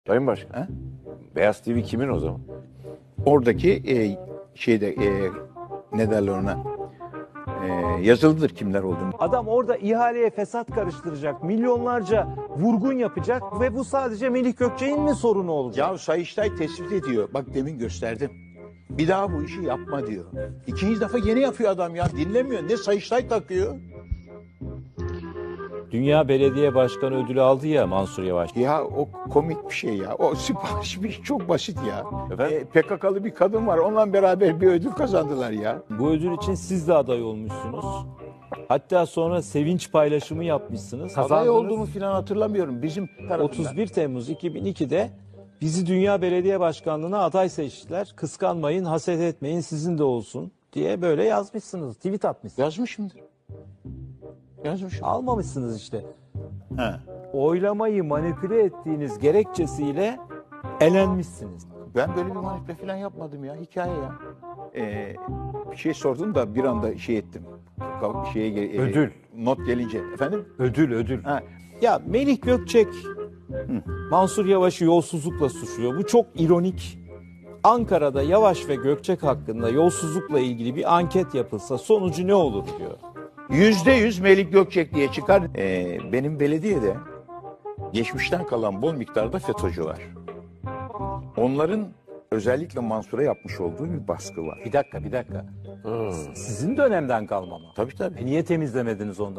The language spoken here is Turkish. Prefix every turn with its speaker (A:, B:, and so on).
A: Sayın Başkan,
B: Ha?
A: Beyaz TV kimin o zaman?
B: Oradaki ne derler ona? Yazılıdır kimler olduğunu.
C: Adam orada ihaleye fesat karıştıracak, milyonlarca vurgun yapacak ve bu sadece Melih Gökçek'in mi sorunu olacak?
B: Ya Sayıştay tespit ediyor. Bak demin gösterdim. Bir daha bu işi yapma diyor. İkinci defa yeni yapıyor adam ya. Dinlemiyor. Ne Sayıştay takıyor.
D: Dünya Belediye Başkanı ödülü aldı ya Mansur Yavaş.
B: Ya o komik bir şey ya. O sipariş bir çok basit ya.
A: Efendim?
B: PKK'lı bir kadın var. Onunla beraber bir ödül kazandılar ya.
D: Bu ödül için siz de aday olmuşsunuz. Hatta sonra sevinç paylaşımı yapmışsınız.
B: Aday
D: Kazandınız.
B: olduğumu falan hatırlamıyorum. Bizim tarafından.
C: 31 Temmuz 2002'de bizi Dünya Belediye Başkanlığı'na aday seçtiler. Kıskanmayın, haset etmeyin, sizin de olsun diye böyle yazmışsınız. Tweet atmışsınız.
B: Yazmışımdır. Yazmışım.
C: Almamışsınız işte.
B: Ha.
D: Oylamayı manipüle ettiğiniz gerekçesiyle elenmişsiniz.
B: Ben böyle bir manipüle falan yapmadım ya. Hikaye ya. Bir şey sordun da bir anda şey ettim.
D: Ödül.
B: Not gelince. Efendim?
D: Ödül.
B: Ha.
D: Ya Melih Gökçek Mansur Yavaş'ı yolsuzlukla suçluyor. Bu çok ironik. Ankara'da Yavaş ve Gökçek hakkında yolsuzlukla ilgili bir anket yapılsa sonucu ne olur diyor.
B: %100 Melih Gökçek diye çıkar. Benim belediyede geçmişten kalan bol miktarda FETÖ'cü var. Onların özellikle Mansur'a yapmış olduğu bir baskı var.
D: Bir dakika. Sizin dönemden kalma mı?
B: Tabii tabii.
D: Niye temizlemediniz ondan?